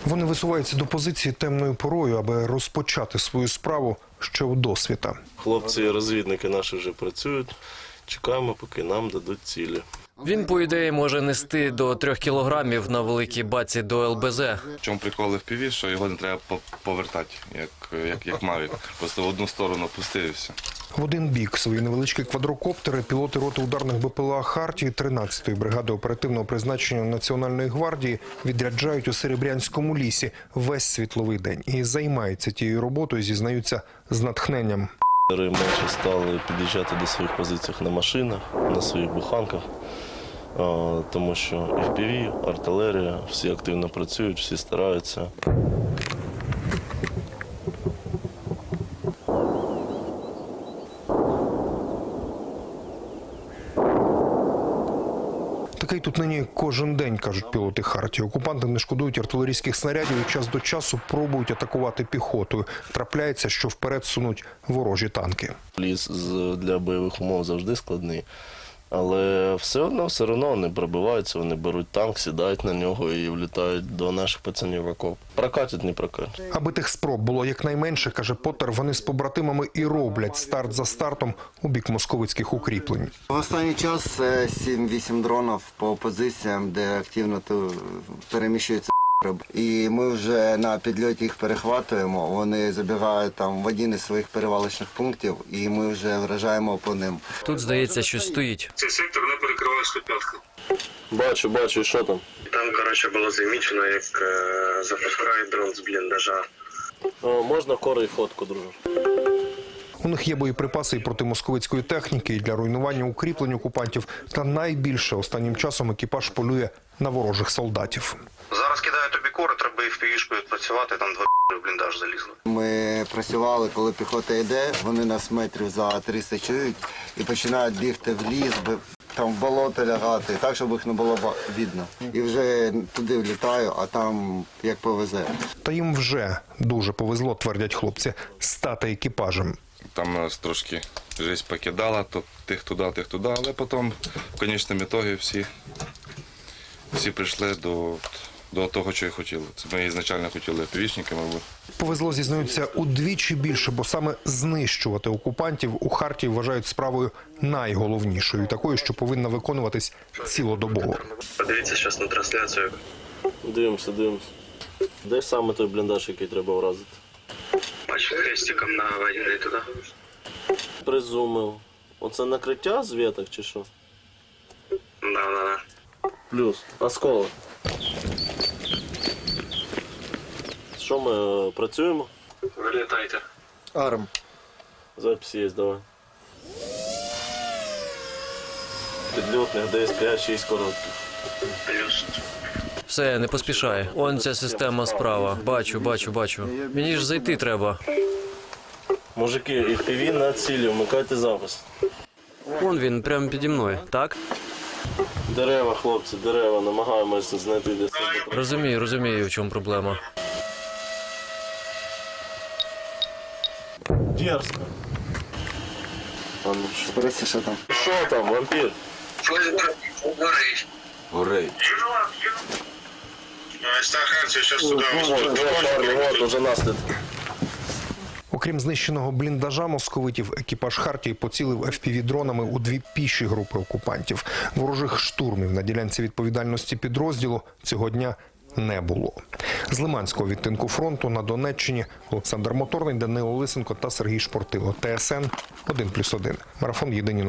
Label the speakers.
Speaker 1: Вони висуваються до позиції темною порою, аби розпочати свою справу ще у досвіта.
Speaker 2: Хлопці-розвідники наші вже працюють. Чекаємо, поки нам дадуть цілі.
Speaker 3: Він, по ідеї, може нести до 3 кілограмів на великій баці до ЛБЗ.
Speaker 4: В чому прикол FPV, що його не треба повертати, як Мавік. Просто в одну сторону пустив і все.
Speaker 1: В один бік свої невеличкі квадрокоптери пілоти роти ударних БПЛА «Хартії» 13-ї бригади оперативного призначення Національної гвардії відряджають у Серебрянському лісі весь світловий день. І займаються тією роботою, зізнаються, з натхненням.
Speaker 2: Менше стали під'їжджати до своїх позицій на машинах, на своїх буханках, тому що FPV, артилерія, всі активно працюють, всі стараються.
Speaker 1: Такий тут нині кожен день, кажуть пілоти «Хартії». Окупанти не шкодують артилерійських снарядів і час до часу пробують атакувати піхотою. Трапляється, що вперед сунуть ворожі танки.
Speaker 2: Ліс для бойових умов завжди складний, але все одно вони пробиваються, вони беруть танк, сідають на нього і влітають до наших пацанів в окоп. Прокатять, не прокатять.
Speaker 1: Аби тих спроб було якнайменше, каже Поттер, вони з побратимами і роблять старт за стартом у бік московицьких укріплень.
Speaker 5: В останній час 7-8 дронів по позиціям, де активно переміщується. І ми вже на підльоті їх перехватуємо, вони забігають там в один із своїх перевалочних пунктів, і ми вже вражаємо по ним.
Speaker 3: Тут, здається, щось стоїть.
Speaker 6: Цей сектор не перекриває 105-ку.
Speaker 2: Бачу, і що там?
Speaker 6: Там, було замічено, як запускають дрон з бліндажа.
Speaker 2: Можна кори і фотку, друже?
Speaker 1: У них є боєприпаси і проти московицької техніки, і для руйнування укріплень окупантів. Та найбільше останнім часом екіпаж полює на ворожих солдатів.
Speaker 6: Зараз кидають тобі кори, треба і в півішку відпрацювати, там 2 в бліндаж залізли.
Speaker 5: Ми працювали, коли піхота йде, вони нас метрів за 300 чують і починають бігти в ліс, там в болото лягати, так, щоб їх не було видно. І вже туди влітаю, а там як повезе.
Speaker 1: Та їм вже дуже повезло, твердять хлопці, стати екіпажем.
Speaker 4: Там нас трошки життя покидала, то тих туди, але потім в кінцевому ітогі всі прийшли до того, що і хотіли. Це ми ізначально хотіли FPV-шниками.
Speaker 1: Повезло, зізнаються, удвічі більше, бо саме знищувати окупантів у «Хартії» вважають справою найголовнішою, такою, що повинна виконуватись цілодобово.
Speaker 6: Подивіться зараз на трансляцію.
Speaker 2: Дивимося. Де саме той бліндаж, який треба вразити?
Speaker 6: Бачу, хрестиком наведений туди.
Speaker 2: Призумив. Оце накриття з веток чи що?
Speaker 6: Да.
Speaker 2: Плюс. Осколок. Що ми працюємо?
Speaker 6: Вилітайте.
Speaker 5: Арм.
Speaker 2: Запись є, давай. Підльотних десь 5-6 коротких.
Speaker 6: Плюс.
Speaker 3: Все, не поспішай. Он ця система справа. Бачу. Мені ж зайти треба.
Speaker 2: Мужики, FPV на цілі, вмикайте запис.
Speaker 3: Он він, прямо піді мною, так?
Speaker 2: Дерева, хлопці, дерева, намагаємося знайти десь.
Speaker 3: Розумію, в чому проблема.
Speaker 2: Дерзко. А ну що?
Speaker 5: Подивіться, що там.
Speaker 2: Що там, вампір?
Speaker 6: Горить.
Speaker 4: Горей.
Speaker 6: Стаханці, зараз туди.
Speaker 2: Вот, уже наслідки.
Speaker 1: Окрім знищеного бліндажа московитів, екіпаж «Хартії» поцілив FPV-дронами у 2 піші групи окупантів. Ворожих штурмів на ділянці відповідальності підрозділу цього дня не було. З Лиманського відтинку фронту на Донеччині Олександр Моторний, Данило Лисенко та Сергій Шпортило. ТСН 1+1. Марафон єдині